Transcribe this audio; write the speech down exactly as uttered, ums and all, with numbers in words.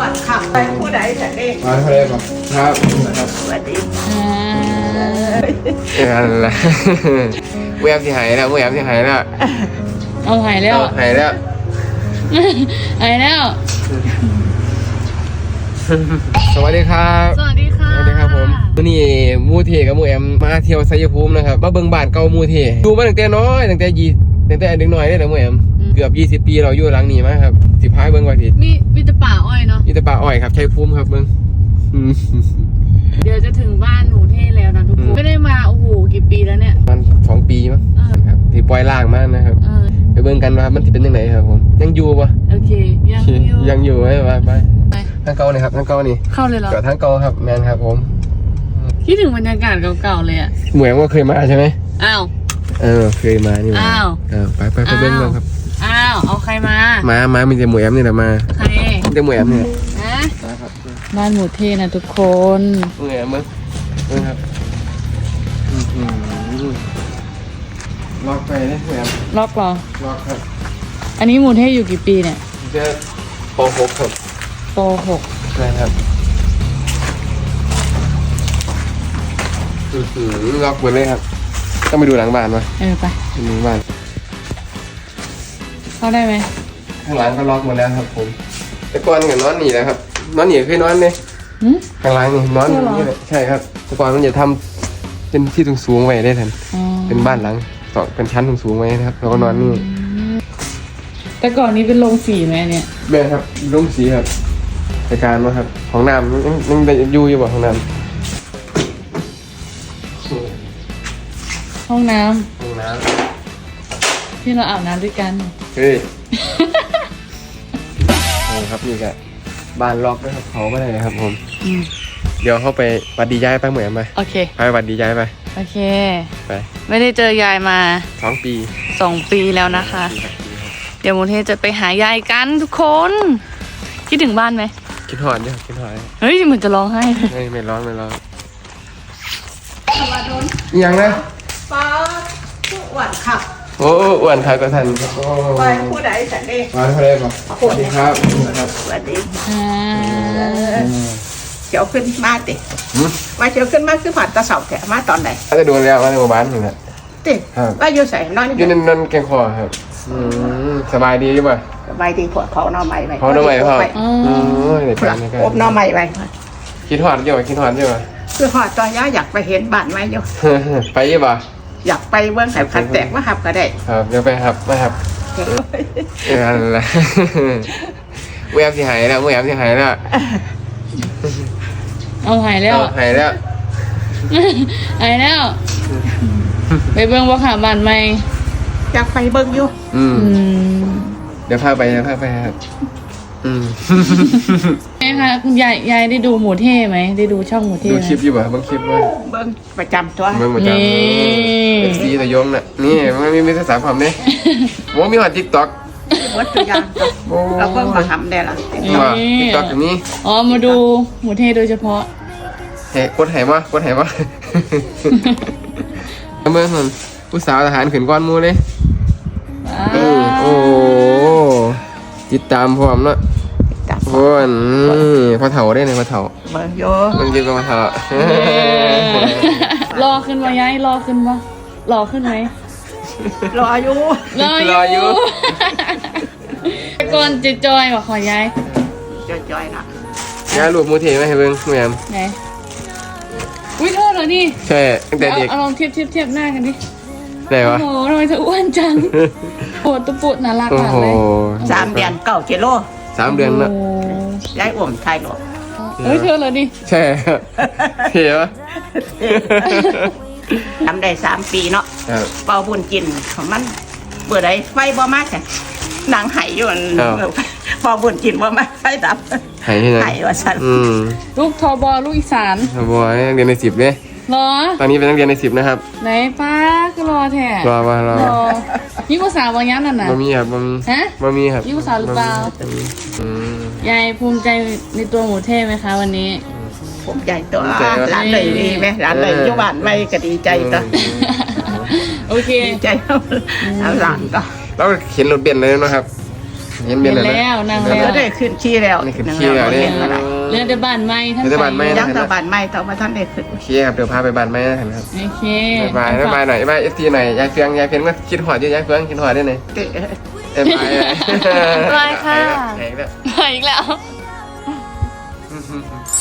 วันขับไปผู้ใดแต่เด็กมาทะเลป่ะครับครับสวัสดีอะไรเวียมที่หายแล้วเวียมที่หายแล้วเอาหายแล้วหายแล้วหายแล้วสวัสดีครับสวัสดีค่ะสวัสดีครับผมวันนี้มูเทกับมูแอมมาเที่ยวไซยภูมินะครับมาเบิ่งบ้านเก่ามูเทดูมาตั้งแต่น้อยตั้งแต่ยี่ตั้งแต่เด็กน้อยเลยนะมูแอมเกือบยี่สิบปีเราอยู่หลังนี้มาครับสิพายเบิ่งว่าสิมีมีแต่ป่าอ้อยเนาะนี่แต่ป่าอ้อยครับชัยภูมิครับเบิ่งเดี๋ยวจะถึงบ้านหนูเท่แล้วนะทุกคนไม่ได้มาโอ้โหกี่ปีแล้วเนี่ยมันสองปีมั้งเออครับที่ปล่อยล่างมากนะครับเออไปเบิ่งกันว่ามันจะเป็นยังไงครับผมยังอยู่ปะโอเคยังอยู่ยังอยู่ไหมไปไปไปทางเก่านี่ครับทางเก่านี่เข้าเลยเหรอเกิดทางเก่าครับแมนครับผมคิดถึงบรรยากาศเก่าๆเลยอ่ะหมวยว่าเคยมาใช่ไหมอ้าวเออเคยมานี่หว่อ้าวเออไปไปไปเบิ้งกันครับอ้าวเอาใครมามามามีแต่หมวยแอมนี่แหละมาใครมีแต่หมวยแอมนี่ฮะนะครับบ้านหมูเท่นะทุกคนหมวยแอมมึงมึงครับอื้อหือล็อกไปเลยหมวยแอมล็อกเหรอล็อกครับอันนี้หมูเท่อยู่กี่ปีเนี่ยเจะปหกครับปหกนะครับอื้อหือล็อกหมดเลยครับต้องไปดูหลังบ้านวะเออไปไปดูบ้านเข้าได้ไหมข้างหลังก็ล็อกหมดแล้วครับผมแต่ก่อนกับนอนหนีนะครับนอนหนีเคยนอนไหมหืมข้างหลังนี่นอนใช่เหรอนี่เลยใช่ครับแต่ก่อนมันจะทำเป็นที่สูงๆไว้ได้ทันอ๋อเป็นบ้านหลังสองเป็นชั้นสูงๆไว้นะครับแล้วก็นอนนี่แต่ก่อนนี้เป็นโรงสีไหมเนี่ยแม่ครับรุ่งสีครับรายการมาครับของน้ำยังยังได้อยู่อยู่บ่ของน้ห้องน้ำำของน้ที่เราอาบน้ำด้วยกันำเฮ้ยโอ้ครับนี่ก็บ้านล็อกนะครับเขาไม่ได้เลยครับผมอืมเดี๋ยวเข้าไปวัดดีย้ายไปเหมือนไปโอเคไปวัดดีย้ายไปโอเคไปไม่ได้เจอยายมาสองปีสองปีแล้วนะคะปีครับปีครับเดี๋ยวโมเทจะไปหายายกันทุกคน คิดถึงบ้านไหมคิดหอนเนี่ยคิดหอนเฮ้ยเหมือนจะร้องไห้เลยไม่ไม่ร้อนไม่ร้อนสวัสดีอีหยังนะป้าผู้วันขับโอ้อ้วนครับก็ทันโอ้ไปผู้ใดแต่เด็กมาทะเลป่ะสวัสดีครับครับสวัสดีอ่าเจียวขึ้นมาติหืมมาเจียวขึ้นมาคือผ่านตะเสาแถมาตอนไหนถ้าจะโดนแล้วมาในหมู่บ้านนี่แหละติครับว่าอยู่ใส่นอนอยู่ในนั่นแกงคอครับอืมสบายดีใช่ป่ะสบายดีพวกเขาหน่อใหม่ไปเขาหน่อใหม่พ่อไปอ๋ออืมเด็กพวกักนนี่ก็อบหน่อใหม่ไปคิดหอดใช่ป่ะคิดหอดใช่ป่ะคือหอดตอนย่าอยากไปเห็นบ้านไหมอยู่ไปใช่ป่ะอยากไปเบื้องไข่พันแตกมาหับก็ได้ครับเดี๋ยวไปครับมาครับเอออะไรเวียมที่หายแล้วเวียมที่หายแล้วเอาหายแล้วเอาหายแล้วหายแล้ว ไปเบิ่งว่าขาบ้านไหมอยากไปเบิ้งอยู่อืมอืมเดี๋ยวพาไปเดี๋ยวพาไปครับอืมไงคะคุณยายยายได้ดูหมูเท่ไหมได้ดูช่องหมูเท่ดูไหมคลิปอยู่ป่ะบางคลิปว่าเบิ้งประจำตัวเมืองประจำนี่เอฟซีตะยงน่ะนี่มันมีมีภาษาความเนี่ยโอ้มีหอดทิกต็อกวัดตัวอย่างตัวโอ้เราเบิ้งมาทำได้ละว่าทิกต็อกอย่างนี้อ๋อมาดูหมูเท่โดยเฉพาะเฮ้กดไหมากดไหม เมื่อมันผู้สาวทหารขืนก้อนหมูเลยว้าเออโอ้ติดตามพร้อมเนาะจับโอ้ยพอเถาได้เลยพอเถาเบิ้งโยมันยืนกับพอเถารอขึ้นมายายรอขึ้นปะรอขึ้นไหมรออยู่รอรออยู่ก่อนจะจอยบอกขอยายจอยๆนะยาลูกมูเทไหมให้เบิ้งแม่มไหนอุ้ยโทษเหรอนี่ใช่ตั้งแต่เอาเด็กเอาลองเทียบเทียบเทียบหน้ากันดิได้โอ้ปะโหทำไมเธออ้วนจังโอ้ตุปุดน่ารักโอ้มากโหเลยสามเดือนเก้ากิโลสามเดือนละโย้ายอ่วมไทยหรอกเอ้ยเธอเหรอนี่ใช่เท่ปะทำได้สามปีเนาะครับเป่าบุญกินของมันเปิดได้ไฟบ่มากแค่นางไหายอยู่นั่นครับเป่าบุญกินบ่มากไฟดับหายที่ไหนไหายว่าสันอืมลูกทอบอลูกอีสานครับบอยนักเรียนในสิบเนี่ยเหรอตอนนี้เป็นนักเรียนในสิบนะครับไหนป้าก็รอแท้รอมารอรอยิ่งภาษาบางอย่างนั่นน่ะบะมีครับบะมีฮะบะมีครับยิ่งภาษาหรือเปล่าบะหมี่อืมยายภูมิใจในตัวหมูเท่ไหมคะวันนี้ผมใหญ่ตัวภูมิใจครับร้านเลยดีไหมร้านเลยอยู่บ้านไม่ก็ดีใจตัวโอเคดีใจเอาหลานก็แล้วเข็นรถเบนซ์เลยนะครับเห็นเมีเห็ยนนแล้วนะแล้วนั่งเอแล้วอได้ขึ้นขี้แล้วนี่ขึ้นขี้แล้วเนี่ยเห็นอะไรเรื่องแต่บ้านไม้ทั้งเรื่องแต่บ้านไม้ยังแตะบานไม่ต่อมาท่านได้ขึ้นโอเคครับเดี๋ยวพาไปบ้านแม่นะครับโอเคบายบายบายหน่อยบายเอฟซีหน่อยยายเฟียงยายเฟียงก็คิดหอดอยู่ยายเฟียงคิดหอดด้วยหน่อยเอ๊ะเอ้ยบายบายค่ะแหงแล้วไปอีกแล้ว